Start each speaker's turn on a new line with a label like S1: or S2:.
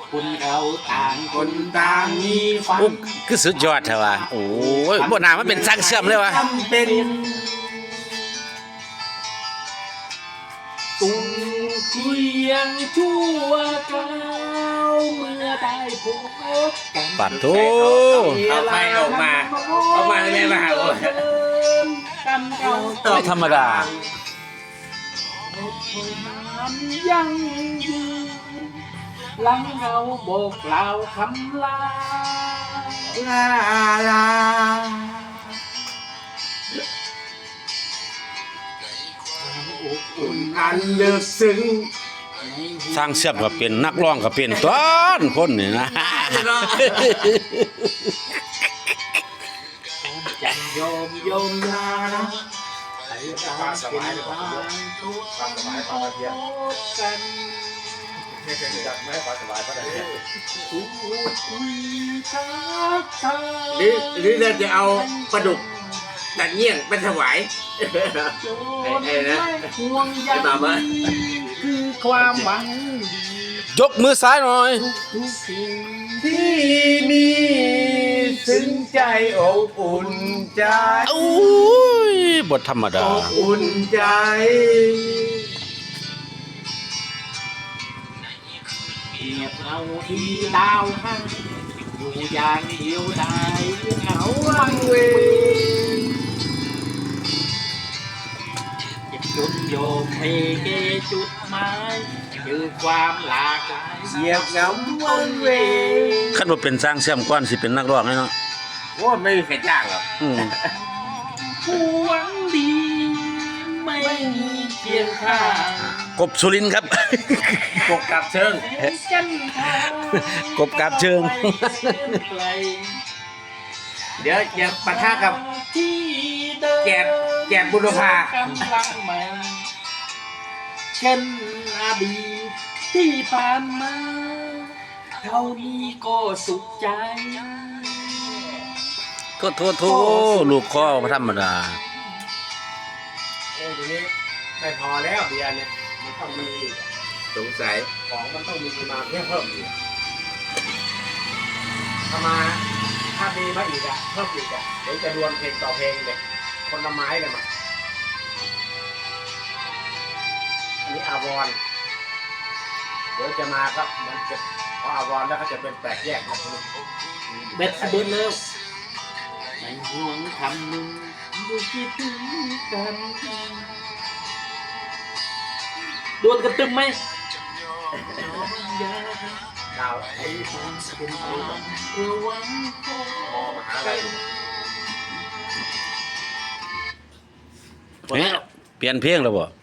S1: คนเราต่างคนต่างมีฝัน
S2: อุ๊บคือสุดยอดเถอะว่ะโอ้ยบ่น่ามันเป็นสร้างเชื่อมเลยวะ
S1: จำเป็นตุ้งคุยยังชั่วคราวเมื่อได้พบกัน
S2: ปัดโถ
S3: เอาไปออกมาเอามาเลยมาหาผม
S1: กันเรา
S2: ไม่ธรรมดา
S1: ยังยืนหลังเราบอกกล่าวคำลา
S3: ลาลา
S1: อบอุ่น
S3: อันลึกซึ้ง
S2: สร้างเชื่อมก็เป็นนักร้องก็เป็นต้นคนนี่นะ
S1: จันโยมโยมลาให้เราเป็นทางทุกข์กัน
S3: ไม่ปลาสบายเพราะอะไรเนี่ย
S1: พูดคุยทักทาย
S3: หรือเราจะเอาปลาดุกตัดเงี้ยงไปถวาย
S1: โยนไม่ห่วงใย
S3: ไอ้บ่าวมา
S1: คือความหวังดี
S2: ยกมือซ้ายหน่อย
S1: ทุกสิ่ง
S3: ที่มีซึ้งใจอบอุ่นใจ
S2: อุ้ยบทธรรมดา
S3: อบอุ่นใจ
S1: เกียบเราที่ดาวให้อยู่อย่างเดียวได้เหงาวังเวงเจ็บจนโยมเพเกจุดหมายคือความหลากหลาย
S3: เหยียบเหงาวันเวง
S2: คันบ่เป็นสร้างเชื่อมก่อนสิเป็นนักร้องแน่เนาะ
S3: โอ้ไม่มีใครจ้างหรอก
S2: อืม
S1: ผู้หวังดีไม่มีเคียงข้าง
S2: กบสุรินทร์ครับ
S3: ปกกับเชิง
S1: เป็นเส้นทาง
S2: กบกาบเชิง
S1: ไปเส้นไกล
S3: เดี๋ยวจะปะทะกับ
S1: ที่เดิน
S3: แกบบุรพา
S1: กำลังใหม่เช่นอดีตที่ผ่านมาเท่านี้ก็สุขใจ
S2: โทลูกคอบ่ธรรมดา
S3: ทีนี้ไม่พอแล้วเบียร์เนี่ยมันต้องมีสงสัยของมันต้องมีมาเพิ่มอีกถ้ามีมาอีกอะเพิ่มอีกอะเดี๋ยวจะดวลเพลงต่อเพลงเลยคนละไม้เลยมาอันนี้อาวรณ์เดี๋ยวจะมาก็มันจะพออาวรณ์แล้วก็จะเป็นแตกแยกนะ
S1: เบ็ดสะเบิดแล้วไม่ห่วงคำหนึ่งดูคิดถึงกันดวลกันตึมไหมอย่า
S3: ดาว
S1: ให้ความเป็นทางเพื่อหวังพบ
S3: มอมหาลัย
S2: เปลี่ยนเพลงแล้วบ่